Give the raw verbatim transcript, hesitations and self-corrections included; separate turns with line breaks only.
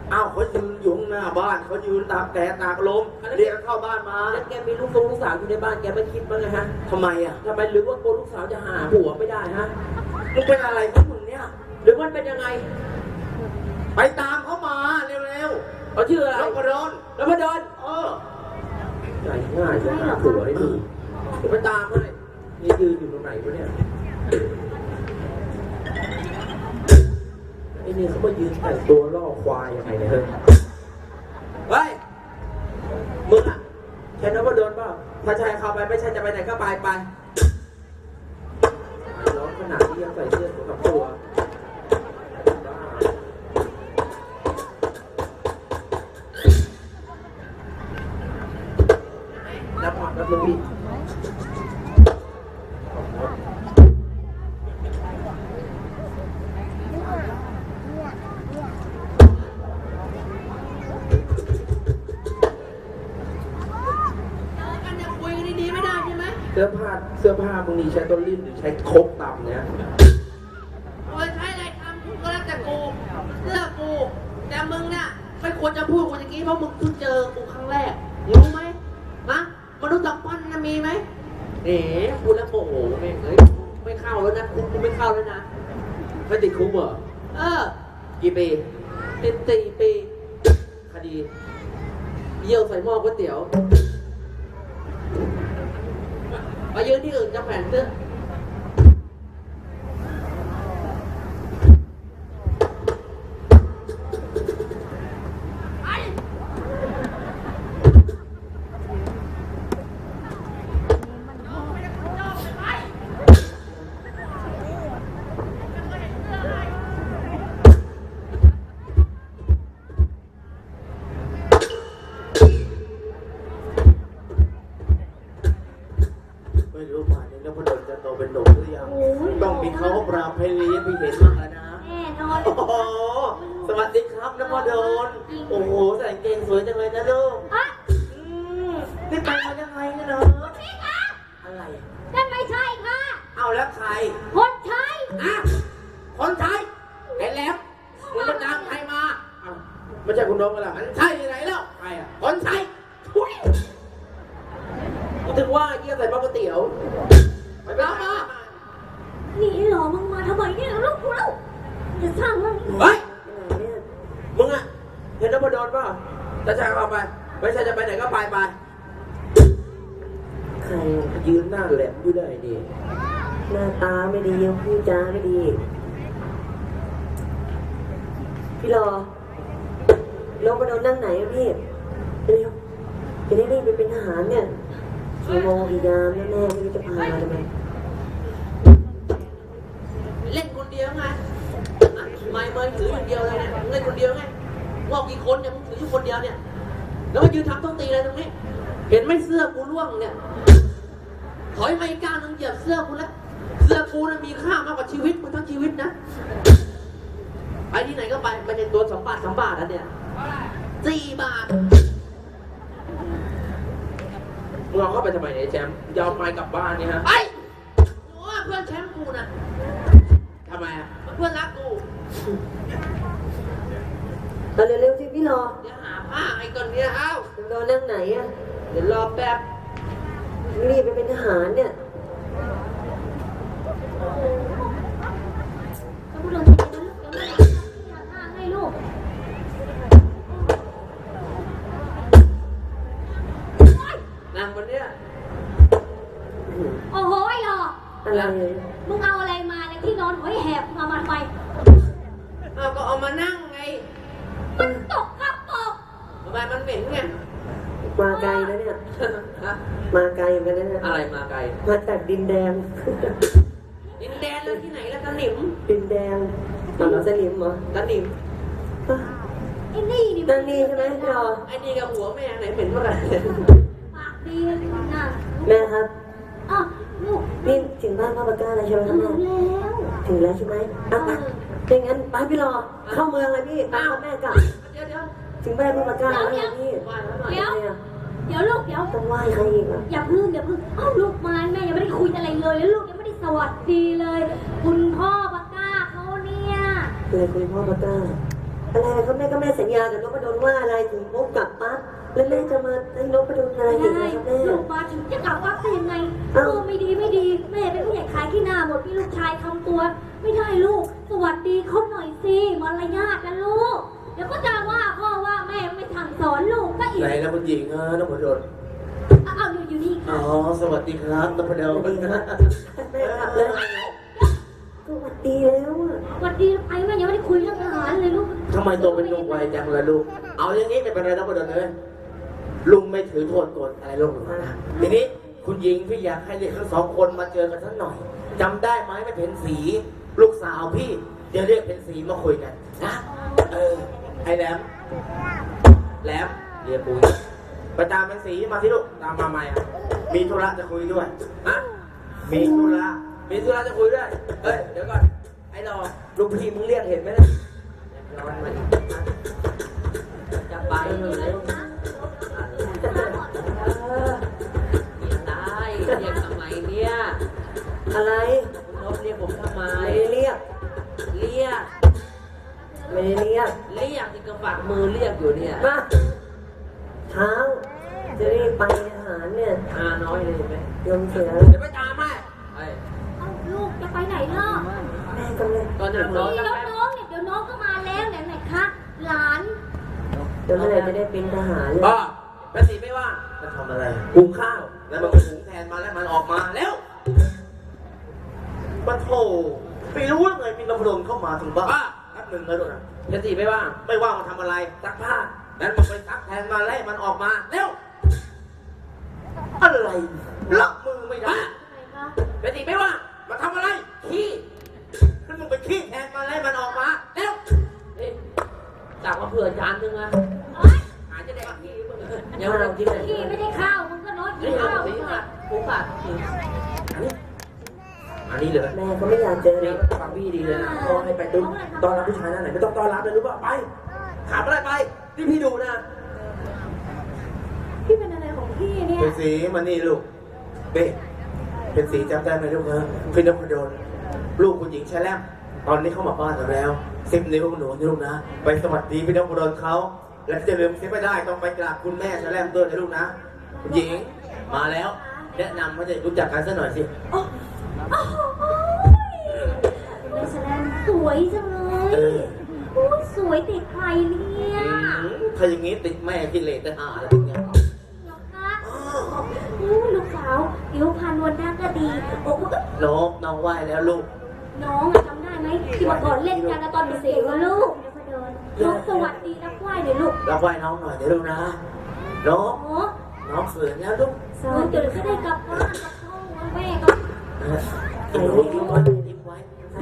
อ้าวเขายืนอยู่หน้าบ้านเขายืนตากแดดตากลมเรียกเข้าบ้านมา
แล้วแกมีลูกทรงลูกสาวอยู่ในบ้านแกไม่คิดบ้างไงฮะ
ทำไมอ่ะ
ทำไมหรือว่ากลัวลูกสาวจะหาผัวไม่ได้ฮะ
มึงเป็นอะไรของมึงเนี่ย
หรือมันเป็นยังไง
ไปตามเขามาเร็ว
ๆเขาชื่ออะไร
นพดล
นพดล
เออ
ง่ายง่ายจะหาผัวให้ดูเดี๋ยวไปตามให้นี่ยืนอยู่ตรงไหนวะเนี่ยไอ้นี่เขามายืนแต่งตัวล่อควายยังไงเนี่ยเฮ้ยเฮ้ยมึงอะแค่นพดลเปล่าถ้าชายเข้าไปไม่ใช่จะไปไหนก็ไปไปร้อนขนาดที่ยังใส่เสื้อตัวกับตัวรับผ่อนรับลูกพี่เสื้อผ้าเสื้อผ้ามึงนี่ใช้ต้นลิ้นหรือใช้คกต่ำเนี่ย
โอ้ยใช้อะไรทำกูก็แล้วแต่กูเสื้อกูแต่มึงเนี่ยไม่ควรจะพูดกูอย่างนี้เพราะมึงเพิ่งเจอกูครั้งแรกรู้ไหมฮะมนุษย์สัมพันธ์นะมีไหม
เอ๋พูดแล้วโมโหแม่งเอ้ยไม่เข้าแล้วนะคุกกูไม่เข้าแล้วนะไม่ติดคุกเหรอ
เออ
กี่ปีติดสี่ปีคดีเยี่ยวใส่หม้อก๋วยเตี๋ยวไปยืนที่อื่นจะแขวนเสื้อ
ไม่รู้ป่านนี้นพดลจะโตเป็นหนุ่มหรือยังต้องมีเขาปราบให้เลี้ยงพี่เห็นมากแล้วนะ
แน่นอน
โอ้โหสวัสดีครับนพดลโอ้โหใส่เกงสวยจังเลยนะลูกอืมนี่ไปมายังไงเนี่ยเนาะ
พี่คะ
อะไร
นั่นไม่ใช่ค่ะ
เอาแล้วใคร
คนใช้
อะคนใช้เห็นแล้วมึงจะตามใครมา
ไม่ใช่คุณน้องกันหรอ
มันใช่ที่ไหนแล้วใครอ่ะคนใช้ทุย
กูถึงว่าเยี่ยใส่หม้อก๋วยเตี๋ยว
ไปไปมา
นี่หรอมึงมาทำไมเนี่ยลูกกูแล้วจะสร้างมัน
เฮ้ย
มึงอะเห็นนพดลป่ะจะชายเข้าไปไม่ใช่จะไปไหนก็ไปไปใครยืนหน้าแหลมอยู่ได้ดิหน้าตาไม่ดียังพูดจาไม่ดีพี่รอนพดลนั่งไหนอะพี่เร็วจะได้รีบไปเป็นทหารเนี่ยกี่โมงกี่ยามแน่ๆไม่รู้จะพามาทำไม
เล่นคนเดียวไงไม่เมย์ถืออย่างเดียวเลยเนี่ยเล่นคนเดียวไงว่ากี่คนเนี่ยมึงถืออยู่คนเดียวเนี่ยแล้วมายืนทำต้องตีอะไรตรงนี้เห็นไหมเสื้อกูร่วงเนี่ยถอยไม่กล้านึงเหยียบเสื้อกูแล้วเสื้อกูน่ะมีค่ามากกว่าชีวิตมึงทั้งชีวิตนะไปที่ไหนก็ไปไปในตัวสองบาทสามบาทแล้วเนี่ยสี่บาท
มึงเอาเข้าไปทำไมเนี่ยแชมป์ยาวไปกลับบ้านนี่ฮะ
ไปโอ้เพื่อนแชมป์กูนะ
ทำไมอ่ะ
เพื่อนรักกู
ตอนเร็วๆที่พี่รอ
เดี๋ยวหาผ้าไอ้ก่อนเนี่ยเอ้าร
อนั่งไหนอ่ะเดี๋ยวรอแป๊บรีบไปเป็นทหารเนี่ย
ถ้าพูดเรื่องจริงนะลูกเดี๋ยวแม่หาผ้าให้ลูก
นั่งบนเนี้ย
โอ้โหไอ้หรอ
อะไร
มึงเอาอะไรมาในที่นอนหอยแหบมามาทำไม
เอาก็เอามานั่งไง
มันตกครับตก
ทำไมมันเหม็นไงมาไกลนะเนี่ยมาไกลเหมือนกันนะอะไรมาไกลมาจากดินแดง
ดินแดงแล้วที่ไหนแล้วตะหนิม
ดินแดงตอนเราสนิมเหรอตะหนิม
ไอ้นี่นี่
ตะนี่ใช่ไหมรอไอ้นี่กับหัวแม่ไหนเหม็นกว่ากัน
ปากดีนะ
แม่ครับ
อ้าวลูก
นี่ถึงบ้านพ่อปากกาอะไรใช่ไหมครับแม่ถึงแล้วใช่ไหมอ่ะไปเป็นงั้นไปพี่รอเข้าเมืองเลยพี่ตามแม่กลับ
เดี๋ยวเดี๋ยว
ถึงบ้านพ่อปากกาแล้วพี่
เดี๋ยวเดี๋ยวลูกเดี๋ยว
ต้องไหว้ใครอีกอ่ะ
อย่าพึ่งอย่าพึ่งอ้าวลูกมาแม่ยังไม่ได้คุยอะไรเลยแล้วลูกยังไม่ได้สวัสดีเลยคุณพ่อปากกาเขาเนี่ย
เลยคุณพ่อปากกา
ค
อะไรนะครับแม่ก็แม่สัญญากับนพดลว่าอะไรถึงพบกับปั๊บแล้วแม่จะมาให้นพดลอะไรอีก
ได้
นะครับแม่
ลูกมาถึงจะกลับวัดได้ยังไงเอ
เอ้า
อไม่ดีไม่ดีแม่เป็นผู้ใหญ่ขายขี้หน้าหมดพี่ลูกชายทำตัว ไม่ได้ลูก สวัสดีเขาหน่อยสิมารยาทนะลูกเดี๋ยวก็จะว่าพ่อว่าแม่ไม่สั่งสอนลูกก็อีก
ไหนนะคุณหญิงเออนพดล
เอาเอาอยู่อยู่นี่
อ๋
ค่ะ
อสวัสดีครับนพดล
สวัสดีครับแม่กลับแล้วสวัสดีแล้วอะ
สวัสดีไปแม่ยังไม่ได้คุยเรื่องอาหารเลยลูก
ทำไมตัวเป็นหนุ่มไวจังเลยลูกเอาอย่างนี้ไม่เป็นไรนพดลเลยลุงไม่ถือโทษโกรธอะไรลูกหรอกนะทีนี้คุณหญิงพี่อยากให้เด็กทั้งสองคนมาเจอกันสักหน่อยจำได้ไหมไม่เพ็ญศรีลูกสาวพี่เดี๋ยวเรียกเพ็ญศรีมาคุยกันนะเออไอ้แหลมแหลมเรียกปุ้ยไปตามเพ็ญศรีมาที่ลูกตามมาใหม่อะมีธุระจะคุยด้วยฮะมีธุระมีธุระจะคุยด้วยเอ้ยเดี๋ยวก่อนไอ้ดอกลูกพี่มึงเรียกเห็นไหมเนี่ยร้อนมาดิจะไปเลย ตายเรียกทำไมเนี่ย
อะไร
คุณนพเรียกผมทำไม
ไม่ได้เรียก
เรียก
ไม่ได้เรียก
เรียกที่กระฝากมือเรียกอยู่เนี่ย
มาเช้าจะรีบไปอาหารเนี่ย
อาน้อยเลยเห็นไหม
ยมเสีย
เดี๋ยวไปตามแม่ไอ้
เอาลูกจะไปไหนล่ะ
แม่กำลัง
ตอนนั้นร้อน
นี่แล้วน้องเนี่ยเดี๋ยวน้องก็มาแล้วไหนไหนคะหลาน
เดี๋ยวเมื่อไหร่จะได้เป็นทหารเลย
ป้าแม่สีไม่ว่าจะทำอะไรหุงข้าว แล้วมันก็หุงแทนมาแล้วมันออกมาแล้วปะโถไม่รู้ว่าไงมีนพดลเข้ามาถึงบ้านป้าแป๊บหนึ่งเลยลูกนะแม่สีไม่ว่าไม่ว่ามันทำอะไรซักผ้าแล้วมันไปซักแทนมาแล้วมันออกมาแล้วอะไรรับมือไม่ได้
ไหนคะ
แม่สีไม่ว่ามันทำอะไรขี้แล้วมันไปขี้แทนมาแล้วมันออกมาแล้วนี่จากมาเผื่อจานนึงอะ หาจะได้ขี้มึงเดี๋ยวเรากินอะไร
พี่ไม่ได้ข้าวมึงก็น้อยกิ
นี่
น
เอา
ข้าว
สิ
มึง
ค่ะ
อะ
ปุ๊บอ่ะอันนี้อันนี้เลย
แม่ก็ไม่อยากเจอ
นี่
แล้ว
ฟังพี่ดีเลยนะพอให้ไปตุ้มตอนรับผู้ชายนั่นไหนไม่ต้องต้อนรับเลยรู้ป่ะไปถามอะไรไปที่พี่ดูนะ
พี่เป็นอะไรของพี่เนี่ย
เป็นสีมันนี่ลูกเบ้เป็นสีจำได้ไหมลูกฮะพี่นพดลลูกคุณหญิงแชล่มตอนนี้เขามาบ้านเราแล้วสิบนิ้วหนูนี่ลูกนะไปสวัสดีพี่นพดลเขาและจะลืมเสียไม่ได้ต้องไปกราบคุณแม่แชล่มด้วยนะลูกนะคุณหญิงมาแล้วแนะนำเขาจะรู้จักกันสักหน่อยสิ
โอ้โอ้โหเป็นแสดงสวยจังเล
เอย อ
โอ้ยสวยติดใครเนี่ย
ถ้าอย่างนี้ติดแม่กิเลสจะหาอะไรอย่างเงี้ย
เหรอคะโอ้ยลูกสาวเดี๋ยวพานวลหน้าก็ดีโอ้ย
น้องน้องไหวแล้วลูก
น้องอะจำได้ไหมที่เมื่อก่อนเล่นกันนะตอนเด็กๆวะลูกน้องสวัสดีนักไหว้เลยลูก
รับไหวน้องหน่อยเดี๋ยวลูกนะน้อง
โอ้
น้องเสือแล้วลูก
สวัสดีจะได้กลับบ้านกับพ่อแม่ก็
เออทิ้งไว้ทิ้งไว้ทิ้งไว้
ใคร